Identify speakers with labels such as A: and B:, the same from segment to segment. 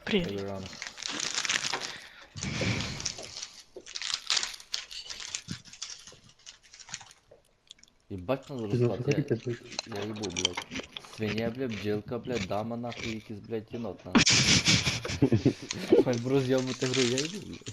A: Привіт.
B: Рано. Ебать надо
C: Ти на
B: розклад,
C: фотографі пиздиш?
B: я ебу, блядь. Свинья, блядь, бджілка, блядь, дама, нахуй, якийсь, блядь, єнот, нахуй. Хоч б роз'єбати гру, я ебу, блядь.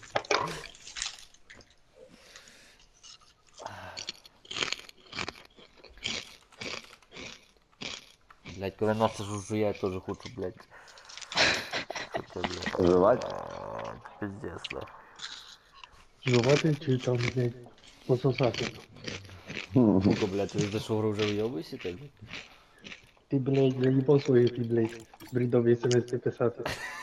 B: Блядь, коли Настя жужжує, я теж хочу, блядь. Що це, блядь?
D: Жевать?
B: Пиздец, нахуй.
C: Жувати чи там, блядь, пососати?
B: Сука, блядь, ти за що гру вже вйобуєшся, так, блядь?
C: Ти, блядь, заїбав свої, ти, блядь, бредові смс писати.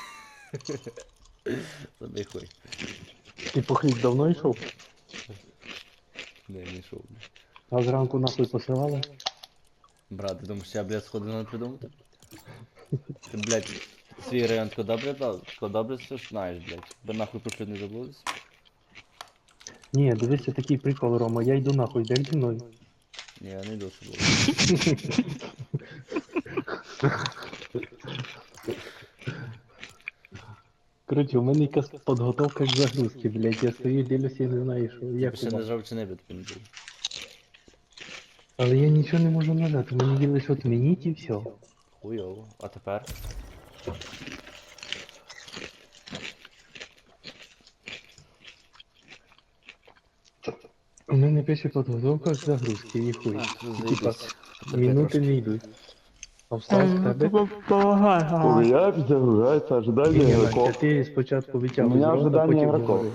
B: Забий хуй.
C: Ти по хліб давно йшов?
B: Не, не йшов, блядь.
C: А зранку нахуй посилали?
B: Брат, ти думаєш, я, блядь, сходи надо придумати? Ти, блядь, свій район тако добре дав? Тако добре все ж знаєш, блядь. Би нахуй про що не забулись?
C: Ні, дивися такий прикол, Рома, я йду нахуй, йдеш зі мною?
B: Ні, я не йду з собою.
C: Коротше, у мене якась підготовка к загрузці, блядь, я стою, дивлюся і не знаю, що,
B: Я
C: як
B: б ще
C: у
B: не
C: вас.
B: жав чи не б тобі не був.
C: Але я нічого не можу нажати, мені є лише отмініть і все.
B: Хуйово. А тепер?
C: У мене пише підготовка к загрузці, і хуй. І, типа,
B: Заїбись.
C: минути не йдуть. А встав з тебе?
D: У меня загружается
C: Ні,
D: ожидание
C: Настя,
D: игроков.
C: ти спочатку
D: У
C: витягуй
D: мене
C: з рота,
D: ожидання
C: потім
D: ігроків.
C: говори.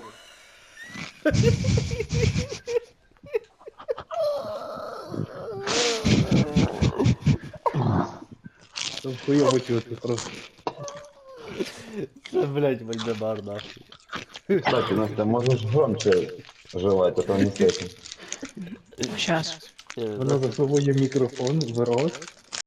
C: Там хуйово чути просто.
B: Це, блядь, Вальдемар, нахуй.
D: Кстати, Настя, можешь громче жевать, а то не слышно.
A: Щас.
C: Вона засовує мікрофон в рот,